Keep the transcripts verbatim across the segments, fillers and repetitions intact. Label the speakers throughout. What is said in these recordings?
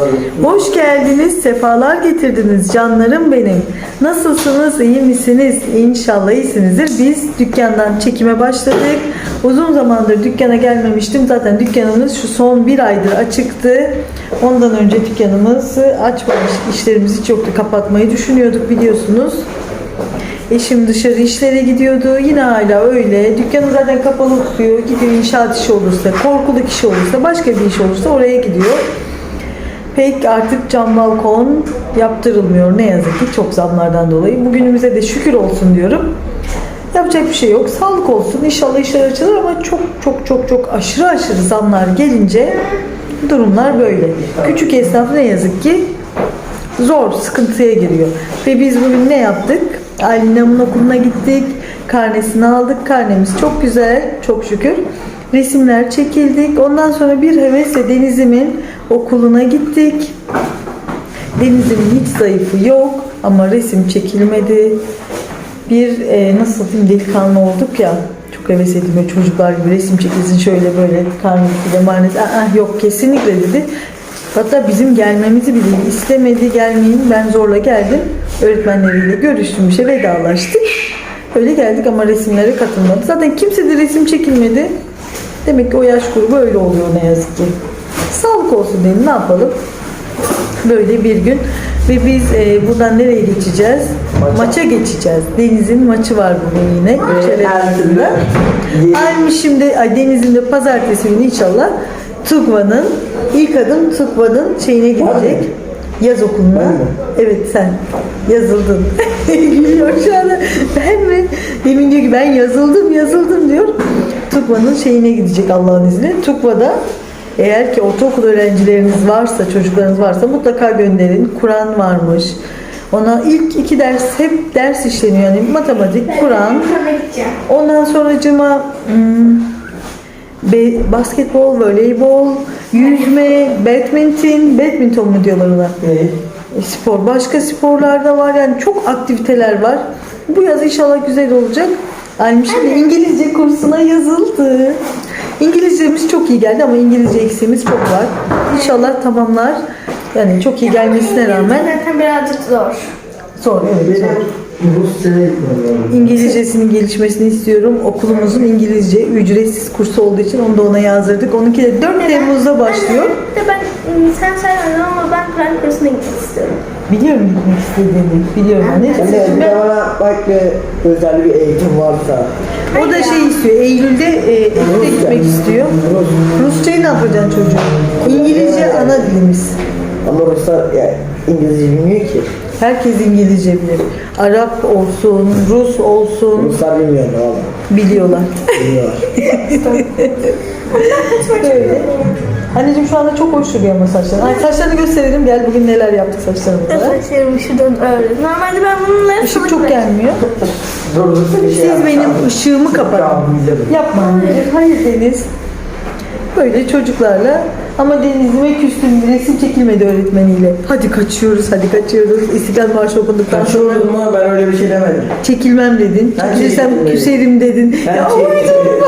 Speaker 1: Hoş geldiniz, sefalar getirdiniz canlarım benim. Nasılsınız, iyi misiniz? İnşallah iyisinizdir. Biz dükkandan çekime başladık. Uzun zamandır dükkana gelmemiştim. Zaten dükkanımız şu son bir aydır açıktı. Ondan önce dükkanımızı açmamış, işlerimiz hiç yoktu. Kapatmayı düşünüyorduk biliyorsunuz. Eşim dışarı işlere gidiyordu. Yine hala öyle. Dükkanı zaten kapalı tutuyor. Gidiyor inşaat işi olursa, korkuluk işi olursa, başka bir iş olursa oraya gidiyor. Pek artık cam balkon yaptırılmıyor ne yazık ki çok zamlardan dolayı. Bugünümüze de şükür olsun diyorum. Yapacak bir şey yok. Sağlık olsun. İnşallah işler açılır ama çok çok çok çok aşırı aşırı zamlar gelince durumlar böyle. Küçük esnaf ne yazık ki zor, sıkıntıya giriyor. Ve biz bugün ne yaptık? Aylin'in okuluna gittik. Karnesini aldık. Karnemiz çok güzel. Çok şükür. Resimler çekildik. Ondan sonra bir hevesle Deniz'imin okuluna gittik. Deniz'imin hiç zayıfı yok. Ama resim çekilmedi. Bir e, nasıl diyeyim delikanlı olduk ya. Çok heves ediyor çocuklar gibi resim çekilsin şöyle böyle karnesi de manesi. Aa, yok kesinlikle dedi. Hatta bizim gelmemizi bile istemedi, gelmeyin. Ben zorla geldim. Öğretmenleriyle görüştüm, bir şey vedalaştık. Öyle geldik ama resimlere katılmadı. Zaten kimse de resim çekilmedi. Demek ki o yaş grubu öyle oluyor ne yazık ki. Sağlık olsun dedim, ne yapalım. Böyle bir gün. Ve biz e, buradan nereye geçeceğiz? Maça, Maça geçeceğiz. Deniz'in maçı var bugün yine. Çevremizde. Aynı şimdi ay, Deniz'in de pazartesi günü inşallah Tugva'nın ilk adım Tugva'nın şeyine gidecek. Yaz okuluna. Evet sen yazıldın. Gülüyor şu anda. Ben mi? Demin diyor ki ben yazıldım yazıldım diyor. Tugva'nın şeyine gidecek Allah'ın izniyle. Tugva'da eğer ki ortaokul öğrencileriniz varsa, çocuklarınız varsa mutlaka gönderin. Kur'an varmış. Ona ilk iki ders hep ders işleniyor. Yani matematik, Kur'an. Ondan sonracıma hmm, Be, basketbol, voleybol, yüzme, badminton, badminton mu diyorlar ona? Evet. E, spor. Başka sporlar da var yani çok aktiviteler var. Bu yaz inşallah güzel olacak. Almış şimdi İngilizce kursuna yazıldı. İngilizcemiz çok iyi geldi ama İngilizce eksiğimiz çok var. İnşallah tamamlar. Yani çok iyi gelmesine rağmen.
Speaker 2: Zaten birazcık zor.
Speaker 1: Zor, evet zor. İngilizcesinin gelişmesini istiyorum. Okulumuzun İngilizce ücretsiz kursu olduğu için onu da ona yazdırdık. Onunki de dört Temmuz'da başlıyor.
Speaker 2: Anne, ben sen söylemedin ama ben Kur'an kursuna gitmek istiyorum.
Speaker 1: Biliyorum gitmek istediğini. Biliyorum anne.
Speaker 3: Anne bir de bana bak bir özel bir eğitim varsa.
Speaker 1: O da şey istiyor. Eylül'de e, Eylül'de gitmek istiyor. Rusçayı ne yapacaksın çocuğum? İngilizce ana dilimiz.
Speaker 3: Ama Ruslar ya, İngilizce bilmiyor ki.
Speaker 1: Herkes İngilizce bilir. Arap olsun, Rus olsun.
Speaker 3: Ruslar bilmiyor ne oğlum.
Speaker 1: Biliyorlar.
Speaker 3: Biliyorlar.
Speaker 1: Böyle. Anneciğim şu anda çok hoş duruyor ama saçların. Ay saçlarını gösterelim. Gel bugün neler yaptık saçlarımıza.
Speaker 2: Saçlarım şuradan öyle. Normalde ben bunları
Speaker 1: Işık çok gelmiyor.
Speaker 3: Dur dur.
Speaker 1: Siz benim ışığımı kapatın. Yapma anneciğim. Hayır Deniz. Böyle çocuklarla ama Deniz'ime küstüm. Resim çekilmedi öğretmeniyle. Hadi kaçıyoruz, hadi kaçıyoruz. İstiklal Marşı okunduktan sonra.
Speaker 3: Kaçıyorum mu? Ben öyle bir şey demedim.
Speaker 1: Çekilmem dedin.
Speaker 3: Ben
Speaker 1: Çekilirsem
Speaker 3: çekilmem
Speaker 1: küserim dedin.
Speaker 3: Ben
Speaker 1: Ya
Speaker 3: çekilmem.
Speaker 1: uydurma.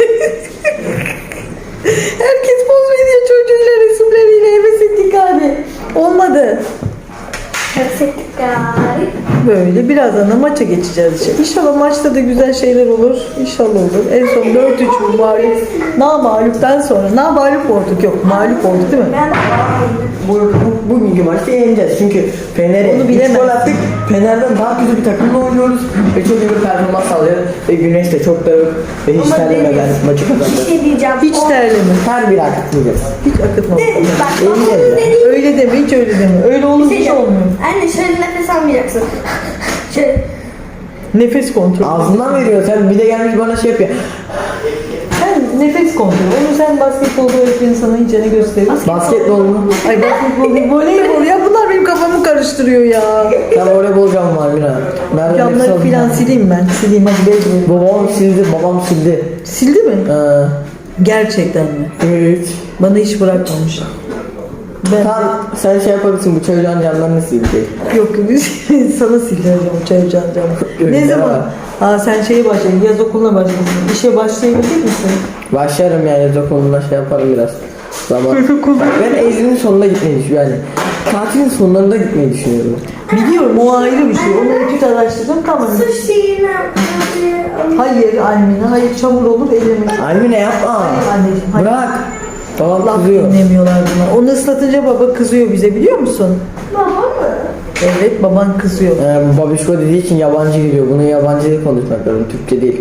Speaker 1: Herkes poz veriyor çocuğuyla resimleriyle. Heves ettik abi. Olmadı.
Speaker 2: Yükseklik galiba.
Speaker 1: Böyle birazdan da maça geçeceğiz işte. İnşallah maçta da güzel şeyler olur. İnşallah olur. En son dört üç bu mağlup. Na mağluptan sonra. Na mağlup olduk yok. Mağlup olduk değil mi?
Speaker 2: Ben
Speaker 3: Bu, bu, bugünkü maçta yeneceğiz. Çünkü Fener'e
Speaker 1: Onu
Speaker 3: üç
Speaker 1: bilemem.
Speaker 3: gol attık. Fener'den daha kötü bir takımla oynuyoruz. Ve çok iyi bir performans sağlıyor. Ve Güneş de çok dağık. Ve hiç
Speaker 2: Ama
Speaker 3: terlemeden
Speaker 2: Deniz,
Speaker 3: maçı
Speaker 2: bir
Speaker 3: kazandı.
Speaker 2: şey diyeceğim.
Speaker 1: Hiç
Speaker 2: O-
Speaker 1: terleme.
Speaker 3: Her bir akıtmayacağız.
Speaker 1: Hiç akıtma.
Speaker 2: Deniz, bak
Speaker 3: Yeneceğiz
Speaker 2: onun
Speaker 3: ya.
Speaker 2: dediği
Speaker 1: Öyle deme, hiç öyle deme. Öyle olur
Speaker 2: şey
Speaker 1: hiç
Speaker 2: yok.
Speaker 1: olmuyor.
Speaker 2: Anne şöyle nefes almayacaksın. Şöyle.
Speaker 1: Nefes kontrolü.
Speaker 3: Ağzından veriyor. Sen bir de gelmiş bana şey yapıyor.
Speaker 1: Sen nefes kontrolü. Onu sen basketbolda öğretmeni sana iyice ne gösterir?
Speaker 3: Basketbol mu?
Speaker 1: Ay basketbol değil, voleybol ya. Bunlar benim kafamı karıştırıyor ya.
Speaker 3: Ben voleybol camı var Mina. Ben
Speaker 1: Camları filan sileyim ben. Sileyim hadi bezme.
Speaker 3: Babam sildi, babam sildi.
Speaker 1: Sildi mi?
Speaker 3: Ee,
Speaker 1: Gerçekten mi?
Speaker 3: evet.
Speaker 1: Bana hiç bırakmamış. Ben
Speaker 3: Tamam, sen şey yapabilirsin, bu çocuğun camlarını sildi.
Speaker 1: yok sana sildireceğim çay ocağın camı.
Speaker 3: Öyle
Speaker 1: Ne zaman?
Speaker 3: var.
Speaker 1: Aa sen şeye başladın, yaz okuluna başladın. İşe başlayabilecek misin?
Speaker 3: Başlarım yani, dokunduğunda şey yaparım biraz. Zaman.
Speaker 1: Çocuk olur.
Speaker 3: Ben Ezgi'nin sonunda gitmeyi düşünüyorum. Yani tatilin sonlarında gitmeyi düşünüyorum.
Speaker 1: Biliyorum o ayrı bir şey. Onu etüt araştırdım tamam.
Speaker 2: Su şeyini
Speaker 1: Hayır Almina, hayır çamur olur ellemeyin.
Speaker 3: Almine yapma.
Speaker 1: Hayır anneciğim, hayır.
Speaker 3: Bırak. Babam
Speaker 1: Laf
Speaker 3: kızıyor.
Speaker 1: dinlemiyorlar buna. Onu ıslatınca baba kızıyor bize biliyor musun?
Speaker 2: Baba mı?
Speaker 1: Evet baban kızıyor.
Speaker 3: Ee, babişko dediği için yabancı geliyor. Bunu yabancı dil konuşmak lazım. Türkçe değil.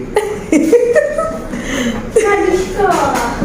Speaker 2: Karışko.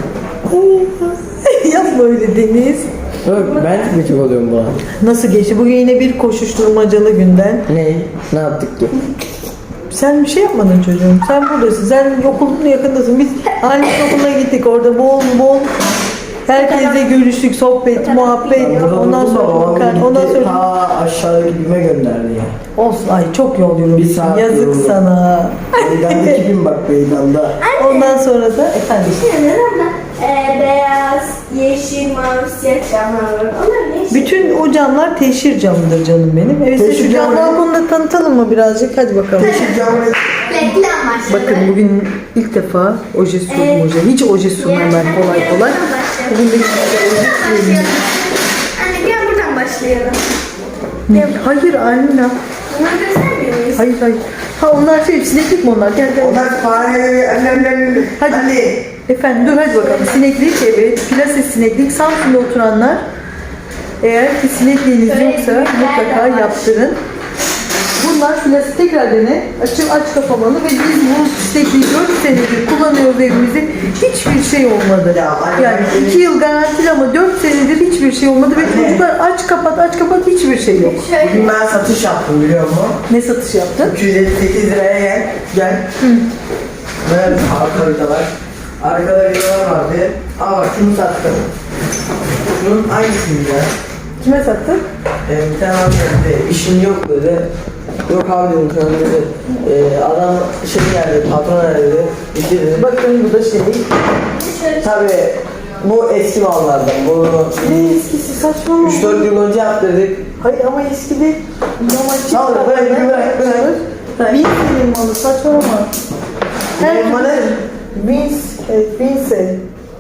Speaker 1: Yapma öyle Deniz.
Speaker 3: Yok, ben gıcık oluyorum buna.
Speaker 1: Nasıl geçti? Bugün yine bir koşuşturmacalı günden.
Speaker 3: Ne? Ne yaptık ki?
Speaker 1: Sen bir şey yapmadın çocuğum. Sen buradasın. Sen okulun yakındasın. Biz anne okuluna gittik. Orada bol bol herkesle görüştük. Sohbet, muhabbet. Ondan sonra bakar. Ondan sonra
Speaker 3: ta aşağıdaki bime gönderdi ya.
Speaker 1: olsun. Ay çok yol
Speaker 3: Bir
Speaker 1: yorulmuşsun.
Speaker 3: saat
Speaker 1: Yazık
Speaker 3: yoruldum.
Speaker 1: sana.
Speaker 3: Meydandaki bin bak meydanda.
Speaker 1: Ondan sonra da efendim.
Speaker 2: Neden abla? Ee, beyaz, yeşil, mavi, siyah camlar var. Onlar ne işi?
Speaker 1: Bütün o camlar teşhir camıdır canım benim. Evet size
Speaker 3: Teşhir
Speaker 1: şu
Speaker 3: camı
Speaker 1: cam
Speaker 3: ne?
Speaker 1: balkonunu tanıtalım mı birazcık? Hadi bakalım.
Speaker 2: Reklam başladı.
Speaker 1: Bakın bugün ilk defa oje sürdüm
Speaker 2: Evet.
Speaker 1: oje. Hiç oje sürmem ben kolay kolay. Bugün de güzel oje süreyim.
Speaker 2: Anne gel buradan başlayalım.
Speaker 1: Hayır Almina.
Speaker 2: Bunları göstermiyor muyuz?
Speaker 1: Hayır hayır. Ha onlar şey sineklik mi onlar? Gel gel.
Speaker 3: Onlar fare annemden.
Speaker 1: Hadi. Efendim dur hadi bakalım. Sineklik evet. Plase sineklik. Samsun'da oturanlar eğer ki sinekliğiniz yoksa mutlaka yaptırın. Bunlar plase tekrar dene. Açıp aç kapamalı ve biz bu sinekliği dört senedir kullanıyoruz evimizde. Hiçbir şey olmadı.
Speaker 3: Ya, anne,
Speaker 1: Yani
Speaker 3: ben-
Speaker 1: iki yıl garantili ama dört senedir hiçbir şey olmadı ve çocuklar aç kapat aç kapat hiçbir şey yok.
Speaker 2: Şöyle.
Speaker 3: Bugün ben satış yaptım biliyor musun?
Speaker 1: Ne satış yaptın?
Speaker 3: üç yüz elli sekiz liraya gel. Gel. Böyle arka vidalar. Arkada vidalar vardı. Aa bak şunu sattım. Şunun aynısını ya.
Speaker 1: Kime sattın?
Speaker 3: Ee, bir tane abi dedi, işin yok dedi. Yok abi dedim sana dedi. Ee, adam şey geldi, patron geldi. İşte dedi.
Speaker 1: Bakın bu da şey.
Speaker 2: Şöyle.
Speaker 3: Tabii bu eski mallardan. Bunu
Speaker 1: Ne eskisi saçmalama.
Speaker 3: üç dört yıl önce yaptırdık.
Speaker 1: Hayır ama eski değil. Normal çift
Speaker 3: Tamam, bırak, bırak, bırak.
Speaker 1: Bin senin malı saçmalama.
Speaker 3: Benim malı?
Speaker 1: Vince, evet Vince.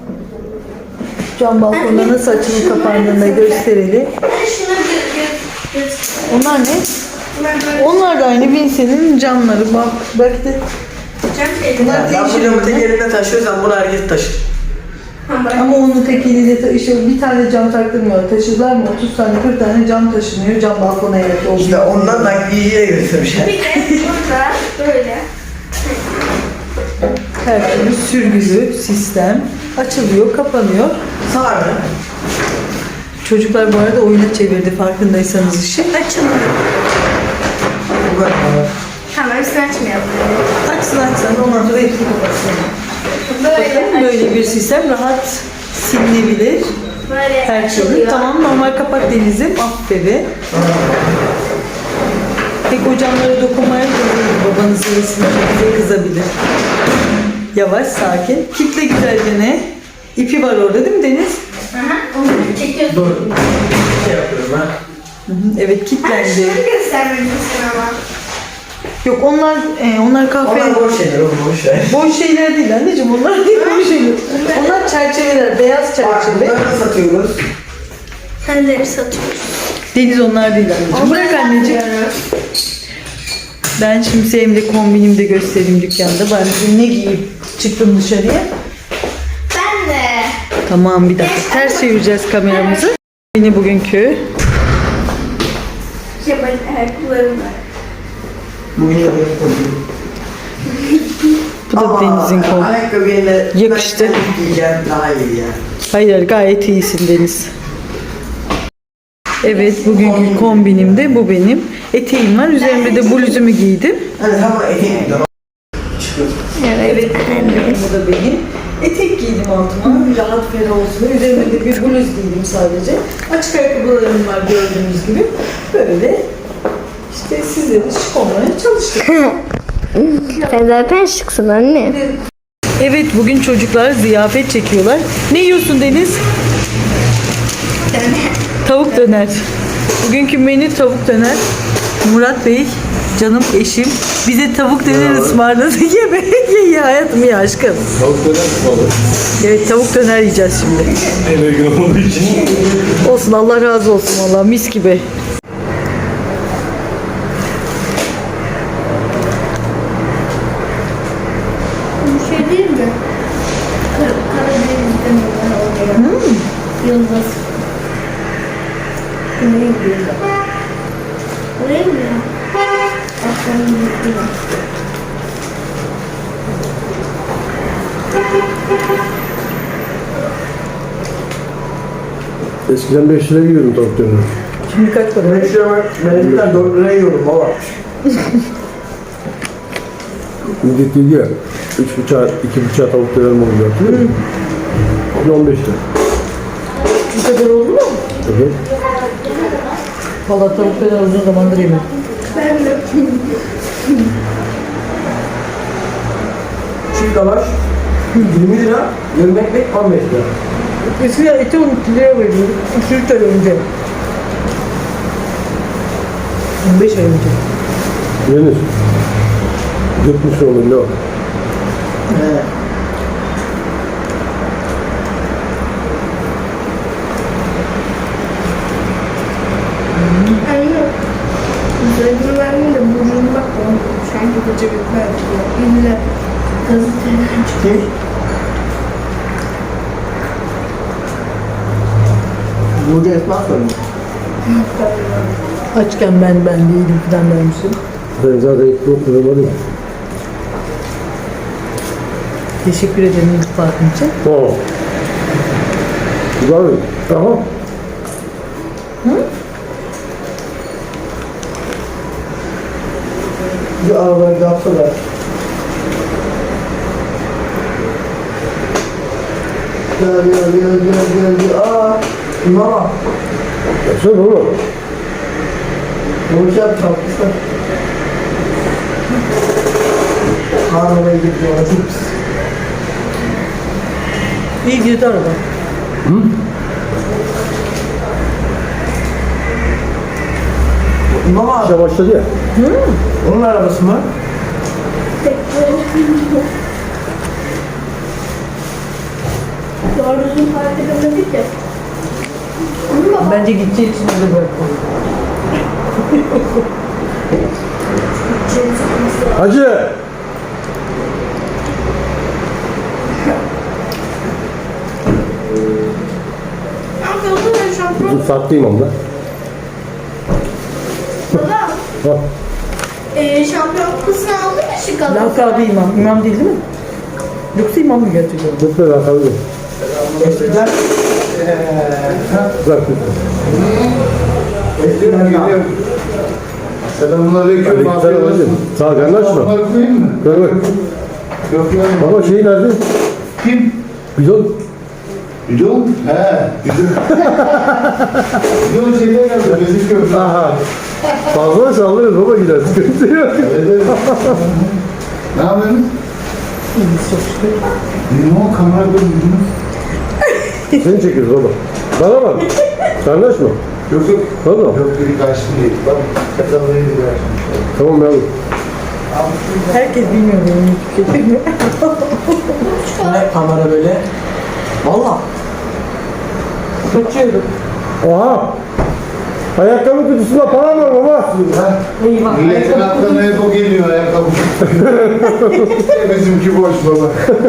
Speaker 1: Cam balkonda nasıl açılıp kapandığını da gösterelim.
Speaker 2: Hadi şunu gö gö göster.
Speaker 1: Onlar ne?
Speaker 2: Bunlar böyle
Speaker 1: Onlar da aynı Vince'nin camları. Bak belki de
Speaker 2: cam şeyler.
Speaker 1: Bunlar
Speaker 3: Ben
Speaker 1: değişik
Speaker 3: bu camı tek
Speaker 1: mi?
Speaker 3: elinde taşıyorsam bunu herkes taşır.
Speaker 2: Ha, bırak.
Speaker 1: ama onun tek eliyle taşıyor. Bir tane cam taktırmıyor. Taşırlar mı? otuz tane kırk tane cam taşınıyor. Cam balkona evet oluyor.
Speaker 3: İşte ondan nakliyeciye götürmüşler.
Speaker 2: Bir de burada böyle.
Speaker 1: Her türlü sürgülü sistem açılıyor, kapanıyor.
Speaker 3: Sarı.
Speaker 1: Çocuklar bu arada oyuna çevirdi farkındaysanız işi.
Speaker 2: Açılmıyor.
Speaker 3: Bu kadar.
Speaker 2: Tamam hepsini açmayalım.
Speaker 1: Açsın açsın ondan sonra hepsini kapatsın. Bakın
Speaker 2: Böyle
Speaker 1: böyle bir sistem rahat silinebilir.
Speaker 2: Böyle
Speaker 1: Her türlü.
Speaker 2: açılıyor.
Speaker 1: Tamam normal kapat Deniz'im. Aferin. Pek o camlara dokunmaya değil. Babanız resim bize kızabilir. Yavaş sakin. Kitle güzelce ne? İpi var orada değil mi Deniz?
Speaker 2: Aha, onu çekiyorsun.
Speaker 3: Dur. Şey yapıyorum ha.
Speaker 1: Hı hı, evet
Speaker 2: Ha,
Speaker 1: kilitlendi.
Speaker 2: şunu göstermelisin ama.
Speaker 1: Yok onlar e, onlar kahve.
Speaker 3: Onlar boş şeyler oğlum boş ver.
Speaker 1: Boş şeyler değil anneciğim onlar değil boş şeyler. Onlar çerçeveler, beyaz
Speaker 3: Bak
Speaker 1: çerçeve.
Speaker 3: bunları da satıyoruz.
Speaker 2: Kendileri satıyoruz.
Speaker 1: Deniz onlar değil anneciğim. Bırak anneciğim. Ben şimdi Sevim'de kombinimde göstereyim dükkanda. Ben bugün ne giyip çıktım dışarıya.
Speaker 2: Ben de.
Speaker 1: Tamam bir dakika. Ters çevireceğiz kameramızı. Yine bugünkü.
Speaker 2: Şey ben ayakkabılarım var.
Speaker 3: Bugün yapıyorum kombini.
Speaker 1: Bu da Deniz'in kombini.
Speaker 3: Ayakkabı yerine
Speaker 1: Yakıştı.
Speaker 3: ben giyeceğim daha iyi ya.
Speaker 1: Hayır gayet iyisin Deniz. Evet bugünkü kombinim de bu benim. Eteğim var. Üzerimde de bluzumu giydim.
Speaker 3: Hani tam eteğim gidiyor. Çıkıyor.
Speaker 1: Evet bu da benim. Etek giydim altıma. Rahat ferah olsun. Üzerimde de bir bluz giydim sadece. Açık ayakkabılarım var gördüğünüz gibi. Böyle işte sizlere şık olmaya çalıştık.
Speaker 2: Sen zaten şıksın anne.
Speaker 1: Evet bugün çocuklar ziyafet çekiyorlar. Ne yiyorsun Deniz? Tavuk döner. Bugünkü menü tavuk döner. Murat Bey, canım eşim, bize tavuk döner ısmarladı. Ye be, ye ye hayatım, ye aşkım.
Speaker 4: Tavuk döner mi olur?
Speaker 1: Evet, tavuk döner yiyeceğiz şimdi.
Speaker 4: Eve gün olduğu için.
Speaker 1: Olsun, Allah razı olsun valla, mis gibi.
Speaker 2: Bir şey değil mi? Kar Karadeniz'den olan oraya. Yıldız. Güney gidiyor. Oraya mı ya? Aslanın gidiyor.
Speaker 4: Eskiden beş lira yiyordum tavuk döner.
Speaker 1: Şimdi kaç para?
Speaker 3: Ben şu an benimkinden dört liraya yiyorum baba.
Speaker 4: Millet dedi ya, üç buçuğa, iki buçuğa tavuk döner mi oluyor? Hatırlıyor musun? Şimdi on beş lira.
Speaker 1: Bu kadar oldu mu?
Speaker 4: Evet.
Speaker 1: Valla tavuk döner uzun zamandır yemedim.
Speaker 2: Ben de.
Speaker 3: Çiğ lavaş yirmi lira, yarım ekmek on beş lira.
Speaker 1: Eskiden eti on iki liraya veriyorduk. üç üç ay önce. on beş ay önce.
Speaker 4: Yenir. Yetmiş olur ne o?
Speaker 3: He.
Speaker 2: Anne. Üzerine vermeyin de burnunu bak oğlum. Sanki koca bir verdi ya. İlle gazeteden çıkıyor.
Speaker 3: Kim? Burcu Esma söylüyor.
Speaker 1: Açken ben ben değilim falan dermişim.
Speaker 4: Ben zaten ilk yok lira ya.
Speaker 1: Teşekkür ederim iltifatın için.
Speaker 4: Tamam. Güzel mi? Tamam.
Speaker 3: Bir arabayı yapsalar. Gel gel gel gel gel gel. Aa, mama.
Speaker 4: Yapsana oğlum.
Speaker 3: Bu şey yapmışlar. Arabaya gidiyor, çok pis.
Speaker 1: İyi girdi araba.
Speaker 3: Mama,
Speaker 4: İşe başladı ya.
Speaker 3: onun arabası mı?
Speaker 2: Doğru düzgün fark edemedik ya. Onu bak.
Speaker 1: Bence gideceği için öyle bıraktım.
Speaker 4: Hacı!
Speaker 2: Ne yapıyorsun ben şampiyon?
Speaker 4: Dur sattayım onu da.
Speaker 2: Baba.
Speaker 4: Bak.
Speaker 2: Eee şampiyon kupasını aldın mı şu kadar?
Speaker 1: Lakabı imam. İmam değil değil mi? Yoksa imam mı gerçekten?
Speaker 4: Lütfen rakamı ver.
Speaker 3: Eskiden eee
Speaker 4: Bırak lütfen.
Speaker 3: eskiden ya.
Speaker 5: Selamünaleyküm.
Speaker 4: Aleykümselam hacım. Sağ ol, anlaşma.
Speaker 5: Bunları koyayım mı?
Speaker 4: Ver ver.
Speaker 5: Yok ya.
Speaker 4: Baba şey nerede?
Speaker 5: Kim?
Speaker 4: Bidon.
Speaker 5: Bidon? He. Bidon. Bidon şeyden geldi. Gözüküyor.
Speaker 4: Aha. Fazla sallırız baba gider. Sıkıntı yok.
Speaker 5: Evet, evet. Ne yapıyorsunuz? Benim o kamera görüntünü.
Speaker 4: Seni çekiyoruz baba. Bana bak. Anlaşma.
Speaker 5: Yok yok.
Speaker 4: Valla.
Speaker 5: Yok biri karşı değil. Bak kazanmayı bir karşı.
Speaker 4: Tamam yavrum.
Speaker 1: Herkes bilmiyor benim hiçbir şey.
Speaker 3: Bu ne kamera böyle? Valla.
Speaker 1: Kaçıyorum.
Speaker 4: Oha. Ayakkabı kutusunda para var baba.
Speaker 1: Eyvah.
Speaker 5: Milletin aklına hep o geliyor ayakkabı. Bizimki boş baba.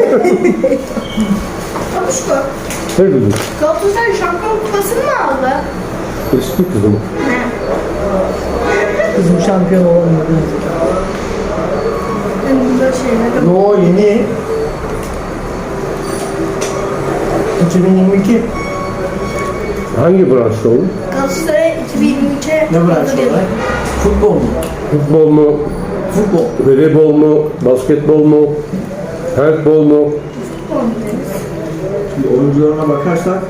Speaker 2: Babuşko.
Speaker 4: Ne kızım?
Speaker 2: Galatasaray şampiyon kupasını mı aldı?
Speaker 4: Eski kızım.
Speaker 1: Kızım şampiyon olamadı.
Speaker 2: Benim burada şeyler.
Speaker 3: Yo yeni. iki bin yirmi iki.
Speaker 4: Hangi branşta oğlum?
Speaker 2: Galatasaray iki bin yirmi üçe
Speaker 3: Ne branşı olarak? Futbol mu?
Speaker 4: Futbol mu?
Speaker 3: Futbol.
Speaker 4: Voleybol mu? Basketbol mu? Handbol mu?
Speaker 3: Şimdi oyuncularına bakarsak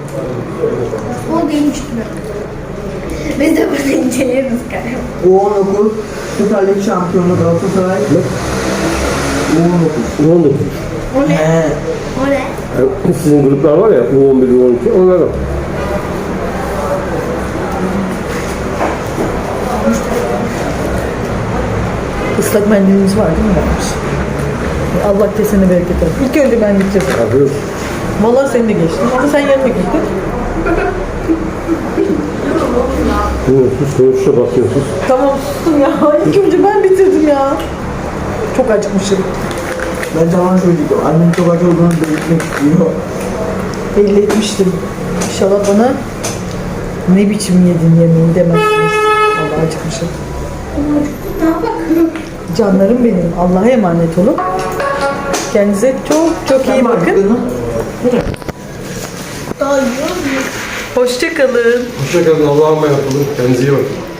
Speaker 2: O değilmiş gibi. Biz de burada inceleriz galiba.
Speaker 3: U on dokuz Süper Lig şampiyonu Galatasaray. U on dokuz.
Speaker 4: on dokuz.
Speaker 2: O ne?
Speaker 3: He.
Speaker 2: O ne?
Speaker 4: Yani sizin gruplar var ya U on bir, U on iki onlardan.
Speaker 1: Islak mendilimiz var değil mi? Varmış. Allah kesene bereket olsun. İlk önce ben bitirdim.
Speaker 4: Yapıyoruz.
Speaker 1: Vallahi seni de geçtim ama sen yanıma gittin.
Speaker 4: Sus konuşuşa bakıyorsun.
Speaker 1: Tamam sustum ya. İlk önce ben bitirdim ya. Çok acıkmışım.
Speaker 3: Ben tamam söyleyeceğim. Annem çok acı olduğunu belirtmek istiyor.
Speaker 1: Belli etmiştim. İnşallah bana ne biçim yedin yemeği demezsiniz. Vallahi acıkmışım. Canlarım benim. Allah'a emanet olun. Kendinize çok çok iyi bakın. Hoşça kalın.
Speaker 4: Hoşçakalın. Allah'a emanet olun. Kendinize iyi bakın.